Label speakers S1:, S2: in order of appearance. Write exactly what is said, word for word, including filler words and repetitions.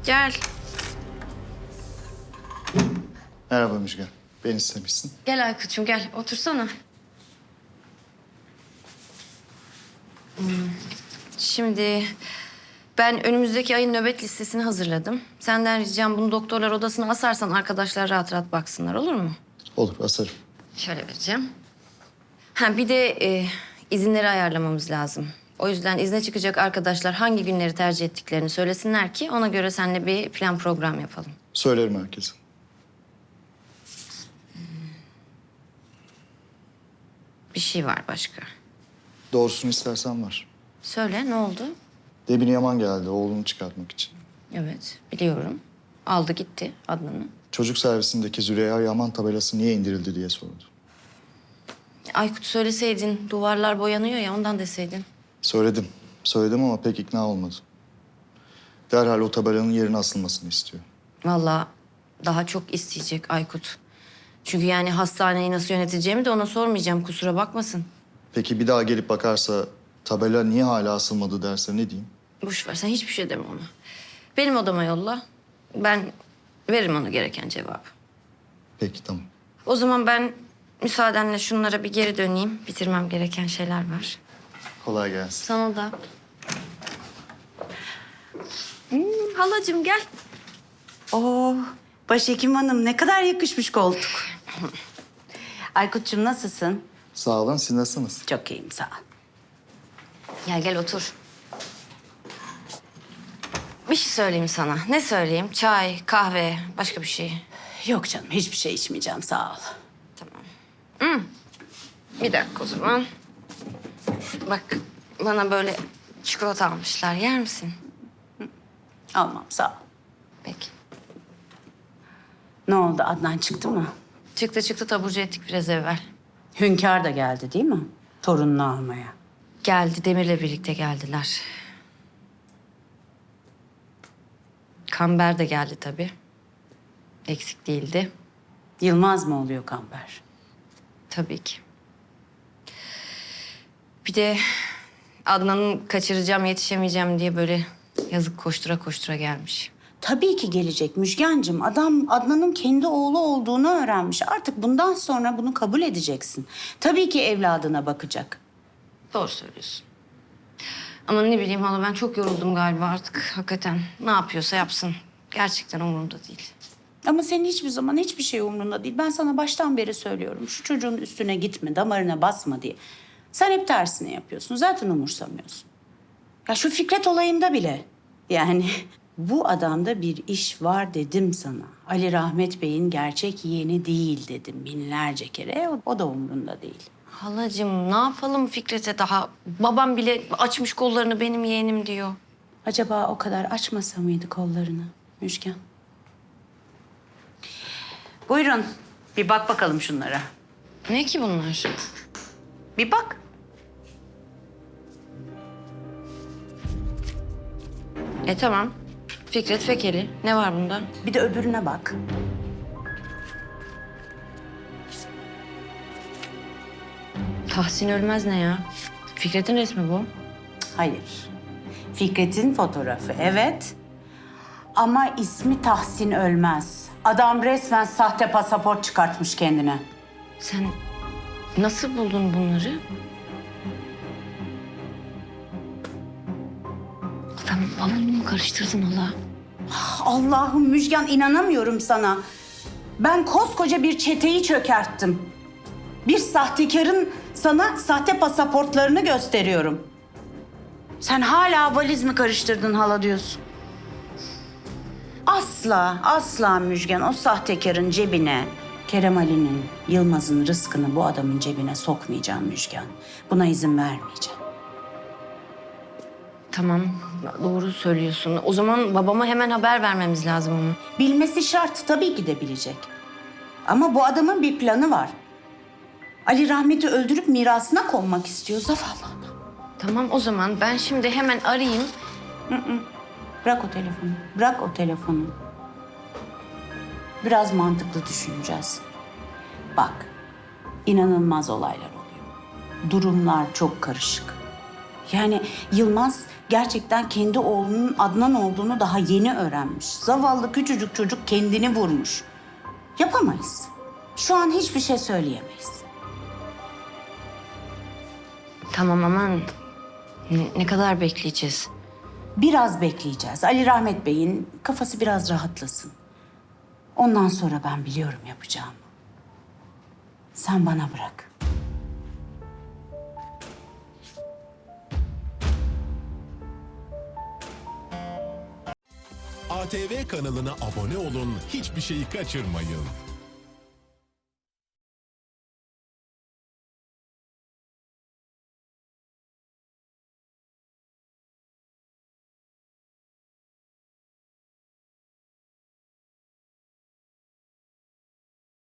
S1: Gel.
S2: Merhaba Müjgan. Beni istemişsin.
S1: Gel Aykut'cum gel. Otursana. Hmm, Şimdi ben önümüzdeki ayın nöbet listesini hazırladım. Senden ricam bunu doktorlar odasına asarsan arkadaşlar rahat rahat baksınlar, olur mu?
S2: Olur, asarım.
S1: Şöyle vereceğim. Ha bir de e, izinleri ayarlamamız lazım. O yüzden izne çıkacak arkadaşlar hangi günleri tercih ettiklerini söylesinler ki ona göre seninle bir plan program yapalım.
S2: Söylerim herkese.
S1: Bir şey var başka.
S2: Doğrusunu istersen var.
S1: Söyle ne oldu?
S2: Debin Yaman geldi oğlunu çıkartmak için.
S1: Evet biliyorum. Aldı gitti Adnan'ı.
S2: Çocuk servisindeki Züleyha Yaman tabelası niye indirildi diye sordu.
S1: Aykut söyleseydin duvarlar boyanıyor ya ondan deseydin.
S2: Söyledim. Söyledim ama pek ikna olmadı. Derhal o tabelanın yerine asılmasını istiyor.
S1: Vallahi daha çok isteyecek Aykut. Çünkü yani hastaneyi nasıl yöneteceğimi de ona sormayacağım kusura bakmasın.
S2: Peki bir daha gelip bakarsa tabela niye hala asılmadı derse ne diyeyim?
S1: Boş ver sen hiçbir şey deme ona. Benim odama yolla. Ben veririm ona gereken cevabı.
S2: Peki tamam.
S1: O zaman ben müsaadenle şunlara bir geri döneyim. Bitirmem gereken şeyler var.
S2: Kolay gelsin.
S1: Sana da. Hmm, halacığım gel.
S3: Oo, Başhekim Hanım ne kadar yakışmış koltuk. Aykut'cum nasılsın?
S2: Sağ olun, siz nasılsınız?
S3: Çok iyiyim sağ ol.
S1: Gel gel otur. Bir şey söyleyeyim sana. Ne söyleyeyim? Çay, kahve, başka bir şey.
S3: Yok canım hiçbir şey içmeyeceğim sağ ol.
S1: Tamam. Hmm. Bir dakika o zaman. Bak bana böyle çikolata almışlar. Yer misin?
S3: Almam sağ ol.
S1: Peki.
S3: Ne oldu Adnan çıktı mı?
S1: Çıktı çıktı taburcu ettik biraz evvel.
S3: Hünkâr da geldi değil mi? Torununu almaya.
S1: Geldi Demir'le birlikte geldiler. Kamber de geldi tabii. Eksik değildi.
S3: Yılmaz mı oluyor Kamber?
S1: Tabii ki. Bir de Adnan'ı kaçıracağım, yetişemeyeceğim diye böyle yazık koştura koştura gelmiş.
S3: Tabii ki gelecek Müjgancığım. Adam Adnan'ın kendi oğlu olduğunu öğrenmiş. Artık bundan sonra bunu kabul edeceksin. Tabii ki evladına bakacak.
S1: Doğru söylüyorsun. Ama ne bileyim hala ben çok yoruldum galiba artık hakikaten. Ne yapıyorsa yapsın. Gerçekten umurumda değil.
S3: Ama senin hiçbir zaman hiçbir şey umrunda değil. Ben sana baştan beri söylüyorum. Şu çocuğun üstüne gitme, damarına basma diye. Sen hep tersini yapıyorsun. Zaten umursamıyorsun. Ya şu Fikret olayında bile. Yani bu adamda bir iş var dedim sana. Ali Rahmet Bey'in gerçek yeğeni değil dedim binlerce kere. O, o da umrunda değil.
S1: Halacığım ne yapalım Fikret'e daha? Babam bile açmış kollarını benim yeğenim diyor.
S3: Acaba o kadar açmasa mıydı kollarını Müjgan? Buyurun. Bir bak bakalım şunlara.
S1: Ne ki bunlar?
S3: Bir bak.
S1: E tamam. Fikret Fekeli. Ne var bunda?
S3: Bir de öbürüne bak.
S1: Tahsin Ölmez ne ya? Fikret'in resmi bu.
S3: Hayır. Fikret'in fotoğrafı evet. Ama ismi Tahsin Ölmez. Adam resmen sahte pasaport çıkartmış kendine.
S1: Sen nasıl buldun bunları? Tamam babamı mı karıştırdın hala?
S3: Allah'ım Müjgan inanamıyorum sana. Ben koskoca bir çeteyi çökerttim. Bir sahtekarın sana sahte pasaportlarını gösteriyorum. Sen hala valiz mi karıştırdın hala diyorsun? Asla, asla Müjgan o sahtekarın cebine Kerem Ali'nin, Yılmaz'ın rızkını bu adamın cebine sokmayacağım Müjgan. Buna izin vermeyeceğim.
S1: Tamam doğru söylüyorsun. O zaman babama hemen haber vermemiz lazım onu.
S3: Bilmesi şart, tabii ki de bilecek. Ama bu adamın bir planı var. Ali Rahmet'i öldürüp mirasına konmak istiyor zavallı adam.
S1: Tamam o zaman ben şimdi hemen arayayım.
S3: Bırak o telefonu, bırak o telefonu. Biraz mantıklı düşüneceğiz. Bak, inanılmaz olaylar oluyor. Durumlar çok karışık. Yani Yılmaz gerçekten kendi oğlunun Adnan olduğunu daha yeni öğrenmiş. Zavallı küçücük çocuk kendini vurmuş. Yapamayız. Şu an hiçbir şey söyleyemeyiz.
S1: Tamam aman. Ne, ne kadar bekleyeceğiz?
S3: Biraz bekleyeceğiz. Ali Rahmet Bey'in kafası biraz rahatlasın. Ondan sonra ben biliyorum yapacağımı. Sen bana bırak.
S4: A T V kanalına abone olun, hiçbir şeyi kaçırmayın.